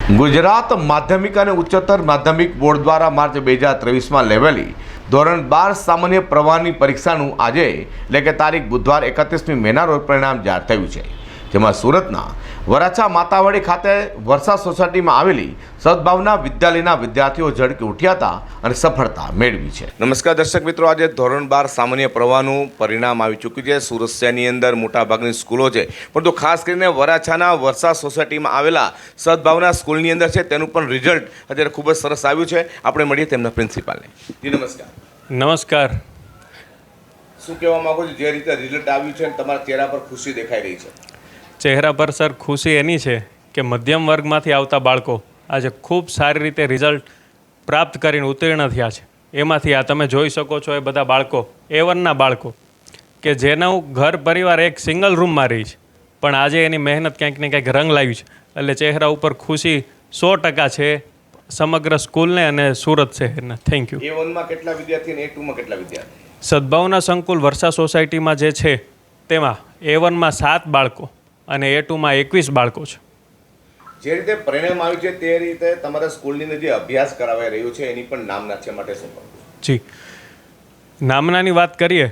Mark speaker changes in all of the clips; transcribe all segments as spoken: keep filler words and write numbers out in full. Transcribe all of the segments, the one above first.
Speaker 1: ગુજરાત માધ્યમિક અને ઉચ્ચતર માધ્યમિક બોર્ડ દ્વારા માર્ચ બે હજાર ત્રેવીસમાં લેવાયેલી ધોરણ બાર સામાન્ય પ્રવાહની પરીક્ષાનું આજે એટલે કે તારીખ બુધવાર એકત્રીસમી મેના રોજ પરિણામ જાહેર થયું છે, જેમાં સુરતના વરાછા માતાવાડી ખાતે વર્ષા સોસાયટીમાં આવેલી સદભાવના વિદ્યાલયના વિદ્યાર્થીઓ ઝળકી ઉઠ્યા હતા અને સફળતા મેળવી છે। નમસ્કાર દર્શક મિત્રો, આજે ધોરણ બાર સામાન્ય પ્રવાહનું પરિણામ આવી ચૂક્યું છે। સુરત શહેરની અંદર મોટાભાગની સ્કૂલો છે, પરંતુ ખાસ કરીને વરાછાના વર્ષા સોસાયટીમાં આવેલા સદભાવના સ્કૂલની અંદર છે તેનું પણ રિઝલ્ટ અત્યારે ખૂબ જ સરસ આવ્યું છે। આપણે મળીએ તેમના પ્રિન્સિપાલને। જી નમસ્કાર।
Speaker 2: નમસ્કાર।
Speaker 1: શું કહેવા માંગો છો, જે રીતે રિઝલ્ટ આવ્યું છે તમારા ચહેરા પર ખુશી દેખાઈ રહી છે?
Speaker 2: ચહેરા પર સર ખુશી એની છે કે મધ્યમ વર્ગમાંથી આવતા બાળકો આજે ખૂબ સારી રીતે રિઝલ્ટ પ્રાપ્ત કરીને ઉત્તીર્ણ થયા છે। એમાંથી આ તમે જોઈ શકો છો એ બધા બાળકો એ વનના બાળકો કે જેનું ઘર પરિવાર એક સિંગલ રૂમમાં રહી છે, પણ આજે એની મહેનત ક્યાંક ને ક્યાંક રંગ લાવી છે, એટલે ચહેરા ઉપર ખુશી સો ટકા છે સમગ્ર સ્કૂલને અને સુરત શહેરને। Thank you.
Speaker 1: એ વનમાં કેટલા વિદ્યાર્થી અને એ ટુમાં કેટલા વિદ્યાર્થી?
Speaker 2: સદભાવના સંકુલ વર્ષા સોસાયટીમાં જે છે તેમાં એ વનમાં સાત બાળકો અને એ ટુમાં એકવીસ બાળકો છે।
Speaker 1: જે રીતે પરિણામ આવ્યું છે તે રીતે તમારા સ્કૂલની અંદર જે અભ્યાસ કરાવાઈ રહ્યો છે એની પણ નામના છે માટે શું કહું?
Speaker 2: જી, નામનાની વાત કરીએ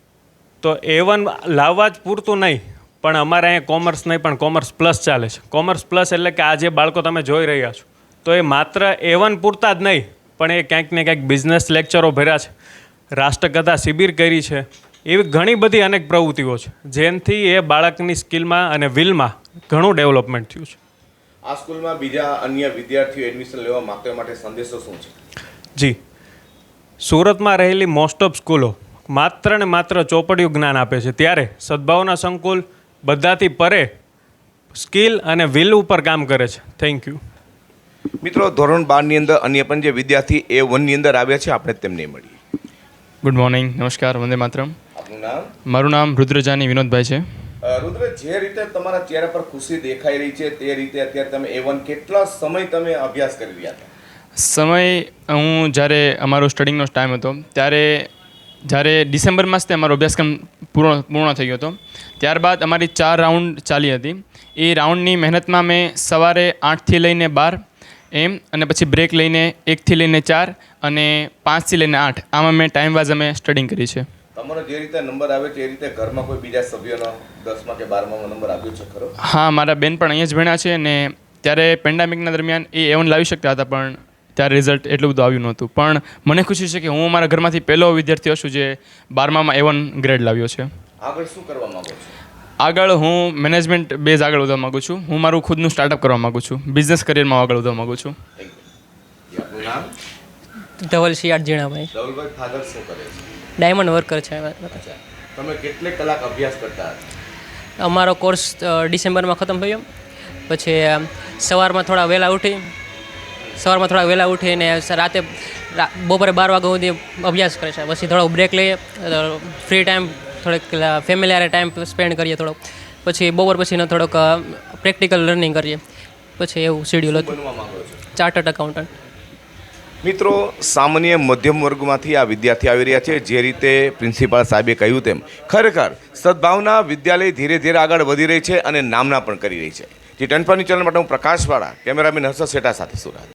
Speaker 2: તો એ વન લાવવા જ પૂરતું નહીં, પણ અમારે અહીંયા કોમર્સ નહીં પણ કોમર્સ પ્લસ ચાલે છે। કોમર્સ પ્લસ એટલે કે આ જે બાળકો તમે જોઈ રહ્યા છો તો એ માત્ર એ વન પૂરતા જ નહીં, પણ એ ક્યાંક ને ક્યાંક બિઝનેસ લેક્ચરો ભર્યા છે, રાષ્ટ્રકથા શિબિર કરી છે, એવી ઘણી બધી અનેક પ્રવૃત્તિઓ છે જેનાથી એ બાળકની સ્કિલમાં અને વિલમાં ઘણું ડેવલપમેન્ટ થયું છે।
Speaker 1: આ સ્કૂલમાં બીજા અન્ય વિદ્યાર્થીઓ એડમિશન લેવા માંગતા માટે સંદેશો શું છે?
Speaker 2: જી, સુરતમાં રહેલી મોસ્ટ ઓફ સ્કૂલો માત્ર ને માત્ર ચોપડિયું જ્ઞાન આપે છે, ત્યારે સદભાવના સંકુલ બધાથી પરે સ્કિલ અને વિલ ઉપર કામ કરે છે। Thank you.
Speaker 1: મિત્રો, ધોરણ બારની અંદર અન્ય પણ જે વિદ્યાર્થી એ વનની અંદર આવ્યા છે આપણે તેમને મળીએ।
Speaker 3: ગુડ મોર્નિંગ, નમસ્કાર, વંદે માતરમ।
Speaker 1: આપનું નામ?
Speaker 3: મારું નામ રુદ્રજાની વિનોદભાઈ છે।
Speaker 1: રુદ્ર, જે રીતે તમારા ચહેરા પર ખુશી દેખાઈ રહી છે તે રીતે અત્યારે તમે એ વન કેટલા સમય તમે અભ્યાસ કરી રહ્યા હતા?
Speaker 3: સમય હું જ્યારે અમારો સ્ટડિંગનો ટાઈમ હતો ત્યારે જ્યારે ડિસેમ્બરમાં જ તે અમારો અભ્યાસક્રમ પૂર્ણ પૂર્ણ થઈ ગયો હતો, ત્યારબાદ અમારી ચાર રાઉન્ડ ચાલી હતી। એ રાઉન્ડની મહેનતમાં મેં સવારે આઠથી લઈને બાર એમ અને પછી બ્રેક લઈને એકથી લઈને ચાર અને પાંચથી લઈને આઠ આમાં મેં ટાઈમ વાઇઝ અમે સ્ટડિંગ કરી છે।
Speaker 1: તમારો જે રીતે નંબર આવે છે એ રીતે ઘરમાં કોઈ બીજા સભ્યોનો દસમા કે બારમામાં નંબર આવ્યો છે ખરો?
Speaker 3: હા, મારા બેન પણ અહીંયા જ ભણ્યા છે અને ત્યારે પેન્ડેમિકના દરમિયાન એ એવન લાવી શકતા હતા, પણ ત્યારે રિઝલ્ટ એટલું બધું આવ્યું નહોતું, પણ મને ખુશી છે કે હું મારા ઘરમાંથી પહેલો વિદ્યાર્થી છું જે બારમામાં એવન ગ્રેડ લાવ્યો છે।
Speaker 1: આગળ શું કરવા માંગો છો?
Speaker 3: આગળ હું મેનેજમેન્ટ બેઝ આગળ વધવા માગું છું। હું મારું ખુદનું સ્ટાર્ટઅપ કરવા માગું છું, બિઝનેસ કરિયરમાં આગળ વધવા માગું છું।
Speaker 1: આપનું નામ?
Speaker 4: ધવલ શિયાળ જીણાભાઈ।
Speaker 1: ધવલભાઈ, ફાધર શું કરે છે?
Speaker 4: ડાયમંડ વર્કર છે।
Speaker 1: તમે કેટલે કલાક અભ્યાસ કરતા હતા?
Speaker 4: અમારો કોર્સ ડિસેમ્બરમાં ખતમ થયો, પછી સવારમાં થોડા વહેલા ઉઠી સવારમાં થોડા વહેલા ઉઠીને રાતે બપોરે બાર વાગ્યા સુધી અભ્યાસ કરે છે, પછી થોડો બ્રેક લઈએ, ફ્રી ટાઈમ થોડોક ફેમિલી હારે ટાઈમ સ્પેન્ડ કરીએ થોડોક, પછી બપોર પછીનો થોડોક પ્રેક્ટિકલ લર્નિંગ કરીએ, પછી એવું શેડ્યુલ હતું।
Speaker 1: બનવા માંગો છો?
Speaker 4: Chartered accountant.
Speaker 1: મિત્રો, સામાન્ય મધ્યમ વર્ગમાંથી આ વિદ્યાર્થી આવી રહ્યા છે। જે રીતે પ્રિન્સિપાલ સાહેબે કહ્યું તેમ ખરેખર સદભાવના વિદ્યાલય ધીરે ધીરે આગળ વધી રહી છે અને નામના પણ કરી રહી છે। જે ટન પર ચેનલ માટે હું પ્રકાશવાળા, કેમેરામેન હર્ષદ શેઠા સાથે સુરત।